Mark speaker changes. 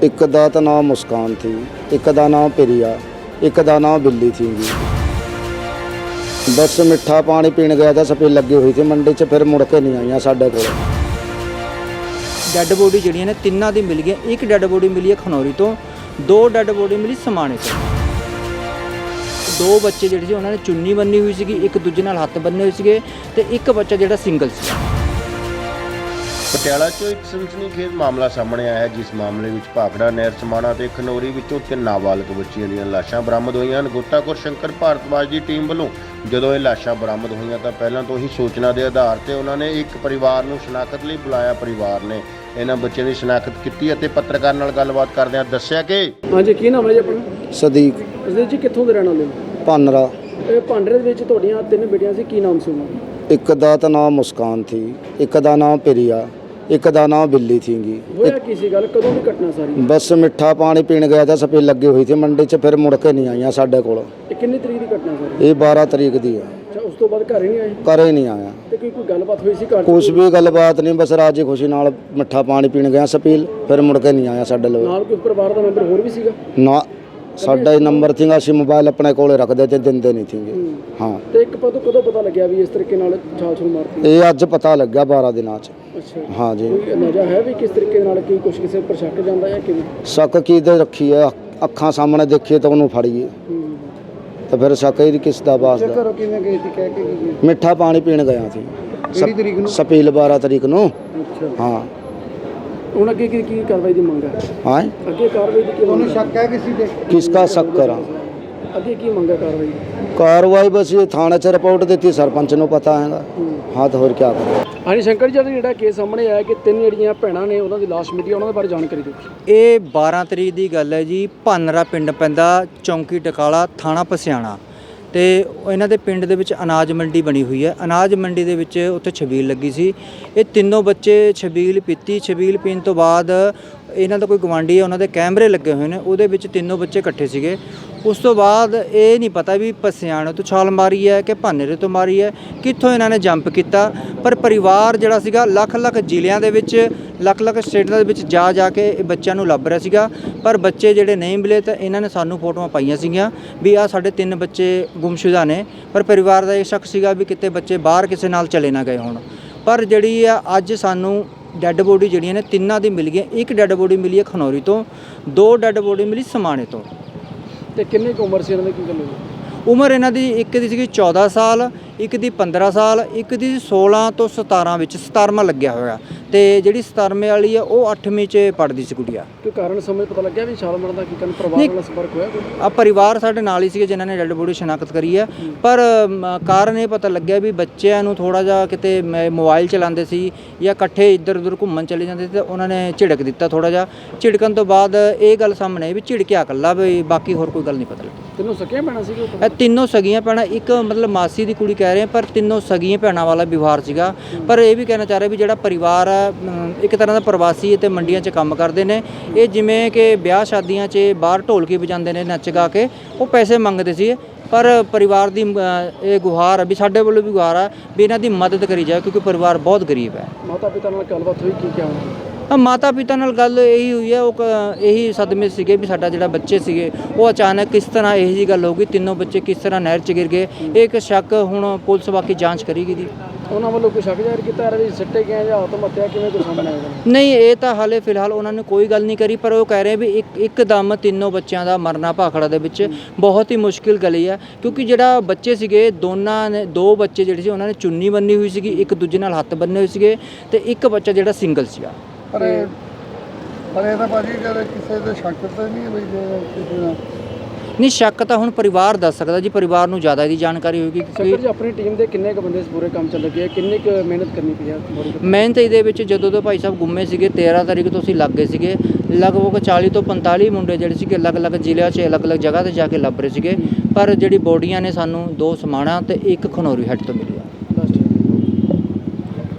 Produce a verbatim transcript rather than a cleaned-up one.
Speaker 1: एक दा तो नाम मुस्कान थी, एक दा नाम प्रिया, एक दा नाम बिल्ली थी जी। बस मिठा पानी पीने गया था, सफेद लगी हुई थी मंडी च, फिर मुड़ के नहीं आई साढ़े को।
Speaker 2: ਡੈੱਡ ਬੋਡੀ ਜਿਹੜੀਆਂ ਨੇ ਤਿੰਨਾਂ ਦੀ ਮਿਲ ਗਈਆਂ। ਇੱਕ ਡੈੱਡ ਬੋਡੀ ਮਿਲੀ ਹੈ ਖਨੌਰੀ ਤੋਂ, ਦੋ ਡੈੱਡ ਬੋਡੀ ਮਿਲੀ ਸਮਾਣੇ ਤੋਂ। ਦੋ ਬੱਚੇ ਜਿਹੜੇ ਸੀ ਉਹਨਾਂ ਨੇ ਚੁੰਨੀ ਬੰਨੀ ਹੋਈ ਸੀਗੀ, ਇੱਕ ਦੂਜੇ ਨਾਲ ਹੱਥ ਬੰਨੇ ਹੋਏ ਸੀਗੇ ਤੇ ਇੱਕ ਬੱਚਾ ਜਿਹੜਾ ਸਿੰਗਲ ਸੀ।
Speaker 3: ਪਟਿਆਲਾ 'ਚੋਂ ਇੱਕ ਸਨਸਨੀਖੇਜ਼ ਮਾਮਲਾ ਸਾਹਮਣੇ ਆਇਆ ਹੈ, ਜਿਸ ਮਾਮਲੇ ਵਿੱਚ ਭਾਖੜਾ ਨਹਿਰ ਸਮਾਣਾ ਤੇ ਖਨੌਰੀ ਵਿੱਚੋਂ ਤਿੰਨ ਨਾਬਾਲਗ ਬੱਚੀਆਂ ਦੀਆਂ ਲਾਸ਼ਾਂ ਬਰਾਮਦ ਹੋਈਆਂ ਹਨ। ਗੋਤਾਖੋਰ ਸ਼ੰਕਰ ਭਾਰਤਵਾਜ ਦੀ ਟੀਮ ਵੱਲੋਂ ਜਦੋਂ ਇਹ ਲਾਸ਼ਾਂ ਬਰਾਮਦ ਹੋਈਆਂ ਤਾਂ ਪਹਿਲਾਂ ਤੋਂ ਹੀ ਸੂਚਨਾ ਦੇ ਆਧਾਰ ਤੇ ਉਹਨਾਂ ਨੇ ਇੱਕ ਪਰਿਵਾਰ ਨੂੰ ਸ਼ਨਾਖਤ ਲਈ ਬੁਲਾਇਆ। ਪਰਿਵਾਰ ਨੇ ਇਹਨਾਂ ਬੱਚਿਆਂ ਦੀ ਸ਼ਨਾਖਤ ਕੀਤੀ ਅਤੇ ਪੱਤਰਕਾਰ ਨਾਲ ਗੱਲਬਾਤ ਕਰਦਿਆਂ ਦੱਸਿਆ ਕਿ
Speaker 4: ਹਾਂਜੀ, ਕੀ ਨਾਮ ਹੈ ਜੀ ਆਪਣਾ?
Speaker 1: सदीक
Speaker 4: ਅਸਲ ਜੀ ਕਿੱਥੋਂ ਦੇ ਰਹਿਣ ਵਾਲੇ ਹੋ?
Speaker 1: पानरा।
Speaker 4: ਇਹ ਭਾਂਡਰੇ ਦੇ ਵਿੱਚ ਤੁਹਾਡੀਆਂ ਤਿੰਨ ਬੇਟੀਆਂ ਸੀ, ਕੀ ਨਾਮ ਸੀ ਉਹਨਾਂ ਦਾ?
Speaker 1: एक दा तो नाम मुस्कान थी, एक दा नाम प्रिया, एक दा नाम बिल्ली थी जी।
Speaker 4: ਹੋਇਆ ਕੀ ਸੀ ਗੱਲ, ਕਦੋਂ ਦੀ ਘਟਨਾ ਸਾਰੀ?
Speaker 1: बस मिठा पानी पीने गया था, सफेद लगी हुई थी मंडी च, फिर मुड़ के नहीं आई साढ़े को।
Speaker 4: ਇਹ ਕਿੰਨੀ ਤਰੀਕ ਦੀ ਘਟਨਾ ਸਾਰੀ?
Speaker 1: ये बारह तरीक दी है,
Speaker 4: ਅੱਛਾ, ਉਸ ਤੋਂ ਬਾਅਦ ਘਰ ਹੀ ਨਹੀਂ ਆਏ
Speaker 1: करे नहीं आया
Speaker 4: ਤੇ ਕੋਈ ਕੋਈ ਗੱਲਬਾਤ ਹੋਈ ਸੀ ਘਰ?
Speaker 1: कुछ भी गलबात नहीं, बस राजी खुशी नाल मिठा पानी पीने गया सपील, फिर मुड़ के नहीं आया साढ़े लोग।
Speaker 4: ਨਾਲ ਕੋਈ ਪਰਿਵਾਰ ਦਾ ਮੈਂਬਰ ਹੋਰ ਵੀ ਸੀਗਾ?
Speaker 1: ना साडा ही नंबर थी, ਅਸੀਂ मोबाइल अपने कोले रखते थे, ਦਿੰਦੇ नहीं थे। हाँ,
Speaker 4: ਤੇ ਇੱਕ ਪਦੋਂ ਕਦੋਂ ਪਤਾ ਲੱਗਿਆ ਵੀ ਇਸ ਤਰੀਕੇ ਨਾਲ ਛਾਲ ਛੁਲ ਮਾਰਤੀ?
Speaker 1: ये अज पता लग गया बारह दिनों च।
Speaker 4: ਅੱਛਾ,
Speaker 1: हाँ जी।
Speaker 4: ਕੋਈ ਅੰਦਾਜ਼ਾ ਹੈ ਵੀ ਕਿਸ ਤਰੀਕੇ ਨਾਲ ਕੀ ਕੁਛ ਕਿਸੇ ਉੱਪਰ ਸ਼ੱਕ ਜਾਂਦਾ ਜਾਂ ਕਿਵੇਂ?
Speaker 1: शक की दे रखी है, अखा सामने देखिए तो उन्होंने फड़िए, तो फिर शक ही किस दा बास दा।
Speaker 4: ਘਰੋਂ ਕਿਵੇਂ ਗਈ ਸੀ, ਕਹਿ ਕੇ ਗਈ?
Speaker 1: मिठा पानी पीने गया थी
Speaker 4: ਕਿਹੜੀ ਤਰੀਕ ਨੂੰ?
Speaker 1: सपील बारह तरीक ਨੂੰ।
Speaker 4: ਅੱਛਾ,
Speaker 1: हाँ
Speaker 4: ਹੁਣ ਅੱਗੇ ਕੀ ਕੀ ਕਾਰਵਾਈ ਦੀ ਮੰਗ ਹੈ?
Speaker 1: हाँ
Speaker 4: ਅੱਗੇ ਕਾਰਵਾਈ ਦੀ ਕੀ ਤੁਹਾਨੂੰ ਸ਼ੱਕ ਹੈ ਕਿਸੇ ਤੇ?
Speaker 1: किसका शक करा?
Speaker 4: ਅੱਗੇ ਕੀ ਮੰਗ ਹੈ ਕਾਰਵਾਈ ਦੀ?
Speaker 1: कार्रवाई बस ये थाने च रिपोर्ट दी थी, सरपंच ਨੂੰ पता हैगा। हाँ तो होर क्या करें।
Speaker 4: ਹਾਂਜੀ ਸ਼ੰਕਰ ਜੀ, ਜਿਹੜਾ ਕੇਸ ਸਾਹਮਣੇ ਆਇਆ ਕਿ ਤਿੰਨ ਜਿਹੜੀਆਂ ਭੈਣਾਂ ਨੇ ਉਹਨਾਂ ਦੀ ਲਾਸ਼ ਮਿਲੀ, ਉਹਨਾਂ ਦੇ ਬਾਰੇ ਜਾਣਕਾਰੀ ਦਿਓ।
Speaker 2: ਇਹ ਬਾਰਾਂ ਤਰੀਕ ਦੀ ਗੱਲ ਹੈ ਜੀ। ਭਾਨਰਾ ਪਿੰਡ ਪੈਂਦਾ, ਚੌਂਕੀ ਟਕਾਲਾ, ਥਾਣਾ ਪਸਿਆਣਾ। ਤੇ ਇਹਨਾਂ ਦੇ ਪਿੰਡ ਦੇ ਵਿੱਚ ਅਨਾਜ ਮੰਡੀ ਬਣੀ ਹੋਈ ਹੈ। ਅਨਾਜ ਮੰਡੀ ਦੇ ਵਿੱਚ ਉੱਥੇ ਛਬੀਲ ਲੱਗੀ ਸੀ। ਇਹ ਤਿੰਨੋਂ ਬੱਚੇ ਛਬੀਲ ਪੀਤੀ। ਛਬੀਲ ਪੀਣ ਤੋਂ ਬਾਅਦ ਇਹਨਾਂ ਦਾ ਕੋਈ ਗਵਾਂਢੀ ਹੈ, ਉਹਨਾਂ ਦੇ ਕੈਮਰੇ ਲੱਗੇ ਹੋਏ ਨੇ, ਉਹਦੇ ਵਿੱਚ ਤਿੰਨੋਂ ਬੱਚੇ ਇਕੱਠੇ ਸੀਗੇ। ਉਸ ਤੋਂ ਬਾਅਦ ਇਹ ਨਹੀਂ ਪਤਾ ਵੀ ਪਸਿਆਣੇ ਤੋਂ ਛਾਲ ਮਾਰੀ ਹੈ ਕਿ ਭਾਨਰੇ ਤੋਂ ਮਾਰੀ ਹੈ, ਕਿੱਥੋਂ ਇਹਨਾਂ ਨੇ ਜੰਪ ਕੀਤਾ। ਪਰ ਪਰਿਵਾਰ ਜਿਹੜਾ ਸੀਗਾ ਲੱਖ ਲੱਖ ਜ਼ਿਲ੍ਹਿਆਂ ਦੇ ਵਿੱਚ, ਲੱਖ ਲੱਖ ਸਟੇਟਾਂ ਦੇ ਵਿੱਚ ਜਾ ਜਾ ਕੇ ਇਹ ਬੱਚਿਆਂ ਨੂੰ ਲੱਭ ਰਿਹਾ ਸੀਗਾ, ਪਰ ਬੱਚੇ ਜਿਹੜੇ ਨਹੀਂ ਮਿਲੇ। ਤਾਂ ਇਹਨਾਂ ਨੇ ਸਾਨੂੰ ਫੋਟੋਆਂ ਪਾਈਆਂ ਸੀਗੀਆਂ ਵੀ ਆਹ ਸਾਡੇ ਤਿੰਨ ਬੱਚੇ ਗੁੰਮਸ਼ੁਦਾ ਨੇ, ਪਰ ਪਰਿਵਾਰ ਦਾ ਇਹ ਸ਼ੱਕ ਸੀਗਾ ਵੀ ਕਿਤੇ ਬੱਚੇ ਬਾਹਰ ਕਿਸੇ ਨਾਲ ਚਲੇ ਨਾ ਗਏ ਹੋਣ। ਪਰ ਜਿਹੜੀ ਆ ਅੱਜ ਸਾਨੂੰ ਡੈੱਡ ਬੋਡੀ ਜਿਹੜੀਆਂ ਨੇ ਤਿੰਨਾਂ ਦੀ ਮਿਲ ਗਈਆਂ। ਇੱਕ ਡੈੱਡ ਬੋਡੀ ਮਿਲੀ ਹੈ ਖਨੌਰੀ ਤੋਂ, ਦੋ ਡੈੱਡ ਬੋਡੀ ਮਿਲੀ ਸਮਾਣੇ ਤੋਂ।
Speaker 4: ਤੇ ਕਿੰਨੀ ਕੁ ਉਮਰ ਸੀ ਇਹਨਾਂ ਦੀ, ਕੀ ਗੱਲ ਹੋਈ?
Speaker 2: ਉਮਰ ਇਹਨਾਂ ਦੀ ਇੱਕ ਦੀ ਸੀਗੀ ਚੌਦਾਂ ਸਾਲ, ਇੱਕ ਦੀ ਪੰਦਰਾਂ ਸਾਲ, ਇੱਕ ਦੀ ਸੋਲਾਂ ਤੋਂ ਸਤਾਰਾਂ ਵਿੱਚ, ਸਤਾਰਵਾਂ ਲੱਗਿਆ ਹੋਇਆ। ਤੇ ਜਿਹੜੀ ਸਤਾਰਵੇਂ ਵਾਲੀ ਆ ਉਹ ਅੱਠਵੀਂ 'ਚ ਪੜ੍ਹਦੀ ਸੀ ਗੁੜੀਆ।
Speaker 4: ਕੋਈ ਕਾਰਨ ਸਮਝ ਪਤਾ ਲੱਗਿਆ ਵੀ ਛਾਲ ਮਾਰਨ ਦਾ ਕੀ ਕਾਰਨ? ਪਰਿਵਾਰ ਨਾਲ ਸੰਪਰਕ ਹੋਇਆ ਕੋਈ?
Speaker 2: ਆ ਪਰਿਵਾਰ ਸਾਡੇ ਨਾਲ ਹੀ ਸੀਗੇ ਜਿਨ੍ਹਾਂ ਨੇ ਡੈੱਡ ਬੋਡੀ ਸ਼ਨਾਖਤ ਕਰੀ ਹੈ। ਪਰ ਮ, ਕਾਰਨ ਇਹ ਪਤਾ ਲੱਗਿਆ ਵੀ ਬੱਚਿਆਂ ਨੂੰ ਥੋੜ੍ਹਾ ਜਿਹਾ ਕਿਤੇ ਮ- ਮੋਬਾਈਲ ਚਲਾਉਂਦੇ ਸੀ ਜਾਂ ਇਕੱਠੇ ਇੱਧਰ ਉੱਧਰ ਘੁੰਮਣ ਚਲੇ ਜਾਂਦੇ ਸੀ, ਤਾਂ ਉਹਨਾਂ ਨੇ ਝਿੜਕ ਦਿੱਤਾ ਥੋੜ੍ਹਾ ਜਿਹਾ। ਝਿੜਕਣ ਤੋਂ ਬਾਅਦ ਇਹ ਗੱਲ ਸਾਹਮਣੇ ਆਈ ਵੀ ਝਿੜਕਿਆ ਇਕੱਲਾ, ਵੀ ਬਾਕੀ ਹੋਰ ਕੋਈ ਗੱਲ ਨਹੀਂ ਪਤਾ ਲੱਗੀ।
Speaker 4: ਤਿੰਨੋਂ ਸਕੀਆਂ ਭੈਣਾਂ ਸੀਗੇ?
Speaker 2: ਇਹ ਤਿੰਨੋਂ ਸਗੀਆਂ ਭੈਣਾਂ, ਇੱਕ ਮਤਲਬ ਮਾਸੀ ਦੀ ਕੁੜੀ ਕਹਿ ਰਹੇ, ਪਰ ਤਿੰਨੋਂ ਸਗੀਆਂ ਭੈਣਾਂ ਵਾਲਾ ਵਿਵਹਾਰ ਸੀਗਾ। ਪਰ ਇਹ ਵੀ ਕਹਿਣਾ ਚਾਹ ਰਹੇ ਵੀ ਜਿਹੜਾ ਪਰਿਵਾਰ ਆ ਇੱਕ ਤਰ੍ਹਾਂ ਦਾ ਪ੍ਰਵਾਸੀ ਅਤੇ ਮੰਡੀਆਂ 'ਚ ਕੰਮ ਕਰਦੇ ਨੇ। ਇਹ ਜਿਵੇਂ ਕਿ ਵਿਆਹ ਸ਼ਾਦੀਆਂ 'ਚ ਬਾਹਰ ਢੋਲਕੀ ਵਜਾਉਂਦੇ ਨੇ, ਨੱਚ ਗਾ ਕੇ, ਉਹ ਪੈਸੇ ਮੰਗਦੇ ਸੀ। ਪਰ ਪਰਿਵਾਰ ਦੀ ਇਹ ਗੁਹਾਰ ਆ ਵੀ ਸਾਡੇ ਵੱਲੋਂ ਵੀ ਗੁਹਾਰ ਆ ਵੀ ਇਹਨਾਂ ਦੀ ਮਦਦ ਕਰੀ ਜਾਵੇ, ਕਿਉਂਕਿ ਪਰਿਵਾਰ ਬਹੁਤ ਗਰੀਬ ਹੈ।
Speaker 4: ਮਾਤਾ ਪਿਤਾ ਨਾਲ ਗੱਲਬਾਤ ਹੋਈ, ਕੀ ਕਿਹਾ?
Speaker 2: ਹਾਂ, ਮਾਤਾ ਪਿਤਾ ਨਾਲ ਗੱਲ ਇਹੀ ਹੋਈ ਹੈ, ਉਹ ਕ- ਇਹੀ ਸਦਮੇ ਸੀਗੇ ਵੀ ਸਾਡਾ ਜਿਹੜਾ ਬੱਚੇ ਸੀਗੇ ਉਹ ਅਚਾਨਕ ਕਿਸ ਤਰ੍ਹਾਂ ਇਹੋ ਜਿਹੀ ਗੱਲ ਹੋ ਗਈ, ਤਿੰਨੋਂ ਬੱਚੇ ਕਿਸ ਤਰ੍ਹਾਂ ਨਹਿਰ 'ਚ ਗਿਰ ਗਏ। ਇਹ ਇੱਕ ਸ਼ੱਕ ਹੁਣ ਪੁਲਿਸ ਬਾਕੀ ਜਾਂਚ ਕਰੇਗੀ ਦੀ।
Speaker 4: ਉਹਨਾਂ ਵੱਲੋਂ ਕੋਈ ਸ਼ੱਕ ਜ਼ਾਹਿਰ ਕੀਤਾ ਯਾਰ ਵੀ ਸਿੱਟੇ ਗਏ ਜਾਂ ਆਤਮ ਹੱਤਿਆ, ਕਿਵੇਂ ਕੋਈ ਸਾਹਮਣੇ ਆਏਗਾ?
Speaker 2: ਨਹੀਂ, ਇਹ ਤਾਂ ਹਾਲੇ ਫਿਲਹਾਲ ਉਹਨਾਂ ਨੇ ਕੋਈ ਗੱਲ ਨਹੀਂ ਕਰੀ, ਪਰ ਉਹ ਕਹਿ ਰਹੇ ਵੀ ਇੱਕ ਇੱਕਦਮ ਤਿੰਨੋਂ ਬੱਚਿਆਂ ਦਾ ਮਰਨਾ ਭਾਖੜਾ ਦੇ ਵਿੱਚ ਬਹੁਤ ਹੀ ਮੁਸ਼ਕਿਲ ਗਲੀ ਹੈ। ਕਿਉਂਕਿ ਜਿਹੜਾ ਬੱਚੇ ਸੀਗੇ ਦੋਨਾਂ ਨੇ, ਦੋ ਬੱਚੇ ਜਿਹੜੇ ਸੀ ਉਹਨਾਂ ਨੇ ਚੁੰਨੀ ਬੰਨੀ ਹੋਈ ਸੀਗੀ, ਇੱਕ ਦੂਜੇ ਨਾਲ ਹੱਥ ਬੰਨੇ ਹੋਏ ਸੀਗੇ, ਤੇ ਇੱਕ ਬੱਚਾ ਜਿਹੜਾ ਸਿੰਗਲ ਸੀਗਾ।
Speaker 5: ਪਰ ਪਰ ਇਹ ਤਾਂ ਭਾਜੀ ਜਦ ਕਿਸੇ ਦੇ ਸ਼ੱਕ ਤਾਂ ਨਹੀਂ ਬਈ ਜੇ ਕਿਸੇ ਦਾ
Speaker 2: ਨਹੀਂ, ਸ਼ੱਕ ਤਾਂ ਹੁਣ ਪਰਿਵਾਰ ਦੱਸ ਸਕਦਾ ਜੀ, ਪਰਿਵਾਰ ਨੂੰ ਜ਼ਿਆਦਾ ਇਹਦੀ ਜਾਣਕਾਰੀ ਹੋਏਗੀ।
Speaker 4: ਸ਼ੰਕਰ ਜੀ, ਆਪਣੀ ਟੀਮ ਦੇ ਕਿੰਨੇ ਕੁ ਬੰਦੇ ਇਸ ਪੂਰੇ ਕੰਮ 'ਚ ਲੱਗੇ ਆ, ਕਿੰਨੀ ਕੁ ਮਿਹਨਤ ਕਰਨੀ ਪਈ ਆ?
Speaker 2: ਮਿਹਨਤ ਇਹਦੇ ਵਿੱਚ ਜਦੋਂ ਤੋਂ ਭਾਈ ਸਾਹਿਬ ਗੁੰਮੇ ਸੀਗੇ ਤੇਰ੍ਹਾਂ ਤਾਰੀਖ ਤੋਂ ਅਸੀਂ ਲੱਗ ਗਏ ਸੀਗੇ, ਲਗਭਗ ਚਾਲੀ ਤੋਂ ਪੰਤਾਲੀ ਮੁੰਡੇ ਜਿਹੜੇ ਸੀਗੇ ਅਲੱਗ-ਅਲੱਗ ਜ਼ਿਲ੍ਹਿਆਂ 'ਚ ਅਲੱਗ-ਅਲੱਗ ਜਗ੍ਹਾ 'ਤੇ ਜਾ ਕੇ ਲੱਭ ਰਹੇ ਸੀਗੇ। ਪਰ ਜਿਹੜੀ ਬੋਡੀਆਂ ਨੇ ਸਾਨੂੰ ਦੋ ਸਮਾਣਾ ਤੇ ਇੱਕ ਖਨੌਰੀ ਹੈੱਡ ਤੋਂ ਮਿਲੀ।